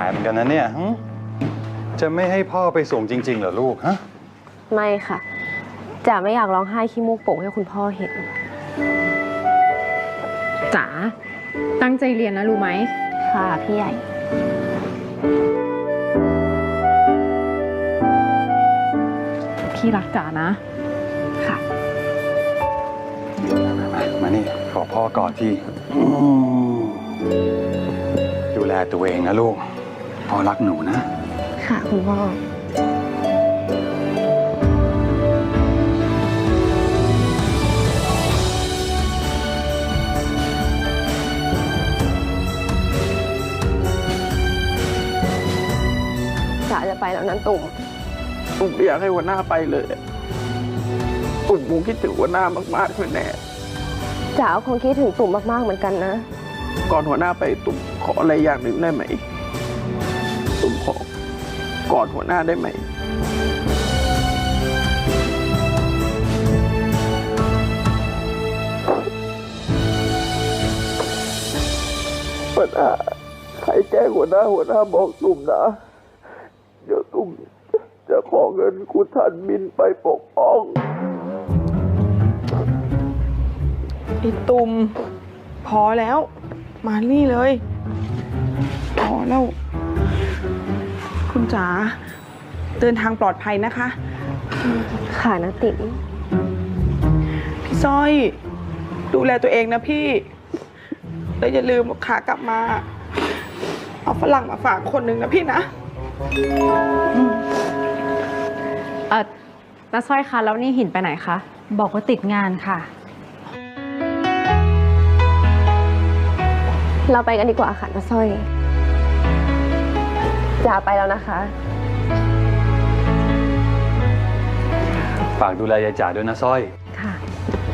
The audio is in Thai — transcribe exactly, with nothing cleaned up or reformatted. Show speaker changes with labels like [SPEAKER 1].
[SPEAKER 1] เหมือนกันนะเนี่ยจะไม่ให้พ่อไปส่งจริงๆเหรอลูกฮะ
[SPEAKER 2] ไม่ค่ะจ๋าไม่อยากร้องไห้ขี้มูกโป่งให้คุณพ่อเห็น
[SPEAKER 3] จ๋าตั้งใจเรียนนะรู้ไหม
[SPEAKER 2] ค่ะพี่ใหญ่
[SPEAKER 3] พี่รักจ๋านะ
[SPEAKER 2] ค่ะ
[SPEAKER 1] มานี่ขอพ่อกอดทีดูแลตัวเองนะลูกพ่อรักหนูนะ
[SPEAKER 2] ค่ะคุณพ่อจ๋าจะไปแล้วนั้นตุ่ม
[SPEAKER 4] ตุ่มไม่อยากให้หัวหน้าไปเลยตุ่มคงคิดถึงหัวหน้ามากๆแน่
[SPEAKER 2] จ๋าคงคิดถึงตุ่มมากๆเหมือนกันนะ
[SPEAKER 4] ก่อนหัวหน้าไปตุ่มขออะไรอย่างหนึ่งได้ไหมตุ่มขอกอดหัวหน้าได้ไหมหัวหน้าใครแจ้งหัวหน้าหัวหน้าบอกตุ่มนะเดี๋ยวตุ่มจะขอเงินคุณท่านบินไปปกป้องไอ้ตุ่มพอแล้วมานี่เลยพอแล้วคุณจ๋าเดินทางปลอดภัยนะคะ
[SPEAKER 2] ค่ะนะติ๋ม
[SPEAKER 4] พี่สร้อยดูแลตัวเองนะพี่แล้วอย่าลืมขากลับมาเอาฝรั่งมาฝากคนหนึ่งนะพี่นะ
[SPEAKER 3] เออน้าสร้อยคะแล้วนี่หินไปไหนคะ
[SPEAKER 5] บอกว่าติดงานค่ะ
[SPEAKER 2] เราไปกันดีกว่าค่ะน้าสร้อยจ๋าไปแล้วนะคะ
[SPEAKER 1] ฝากดูแลยายจ๋าด้วยนะสร้อย
[SPEAKER 2] ค่ะ